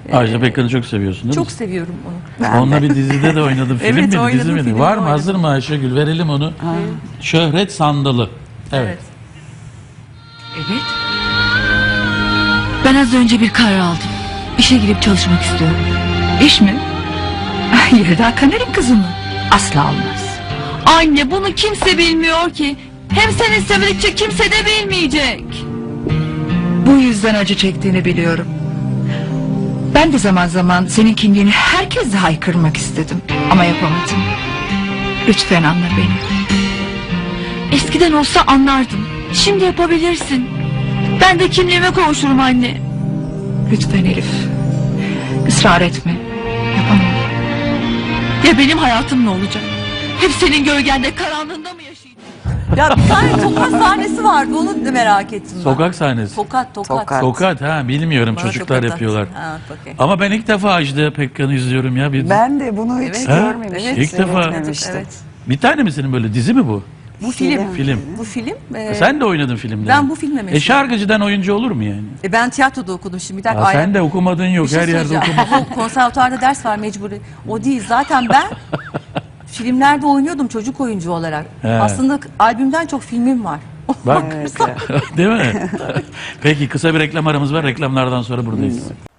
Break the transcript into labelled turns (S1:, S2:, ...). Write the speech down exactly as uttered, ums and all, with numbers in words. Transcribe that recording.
S1: Ajda Pekkan'ı çok seviyorsun değil
S2: Çok
S1: mi?
S2: seviyorum onu.
S3: Ben
S1: Onunla
S3: de.
S1: bir dizide de oynadım. Film
S2: Evet,
S1: miydi,
S2: oynadım,
S1: dizi miydi?
S2: filmde
S1: Var mı?
S2: oynadım.
S1: Hazır mı Ayşegül? Verelim onu. Şöhret Sandalı. Evet.
S2: Evet.
S4: Evet. Ben az önce bir karar aldım. İşe girip çalışmak istiyorum.
S5: İş mi? Yelda Kaner'in kızı mı? Asla olmaz.
S4: Anne, bunu kimse bilmiyor ki. Hem sen istemedikçe kimse de bilmeyecek.
S5: Bu yüzden acı çektiğini biliyorum. Ben de zaman zaman senin kimliğini herkese haykırmak istedim. Ama yapamadım. Lütfen anla beni.
S4: Eskiden olsa anlardım. Şimdi yapabilirsin. Ben de kimliğime kavuşurum anne.
S5: Lütfen Elif. Israr etme. Yapamam.
S4: Ya benim hayatım ne olacak? Hep senin gölgende, karanlığında mı yaşayacağım?
S2: Ya bir tane tokat sahnesi vardı, onu da merak ettim ben.
S1: Sokak sahnesi.
S2: Tokat, tokat.
S3: Tokat.
S1: Sokat ha bilmiyorum,
S2: Bana
S1: çocuklar
S2: tokat
S1: yapıyorlar.
S2: attı. Ha, okey.
S1: Ama ben ilk defa Ajda Pekkan'ı izliyorum ya. Bir,
S3: Ben de bunu hiç
S2: Evet.
S3: görmemiştim.
S2: Evet.
S1: İlk defa.
S3: seyretmemiştim.
S2: Evet.
S1: bir tane mi senin böyle dizi mi bu?
S2: Bu film.
S1: Film.
S2: Bu film. e,
S1: Sen de oynadın filmde.
S2: ben bu filmle meşhur.
S1: E şarkıcıdan oyuncu olur mu yani?
S2: e, ben tiyatroda okudum şimdi. Bir dakika.
S1: Aa,
S2: ay-
S1: sen de okumadın yok,
S2: Bir şey
S1: her yerde
S2: söyleyeceğim.
S1: okudun.
S2: O konservatuarda ders var mecburi. O değil. Zaten ben filmlerde oynuyordum çocuk oyuncu olarak.
S1: He.
S2: Aslında albümden çok filmim var.
S1: Bak
S3: Evet, evet.
S1: değil mi? Peki kısa bir reklam aramız var. Reklamlardan sonra buradayız.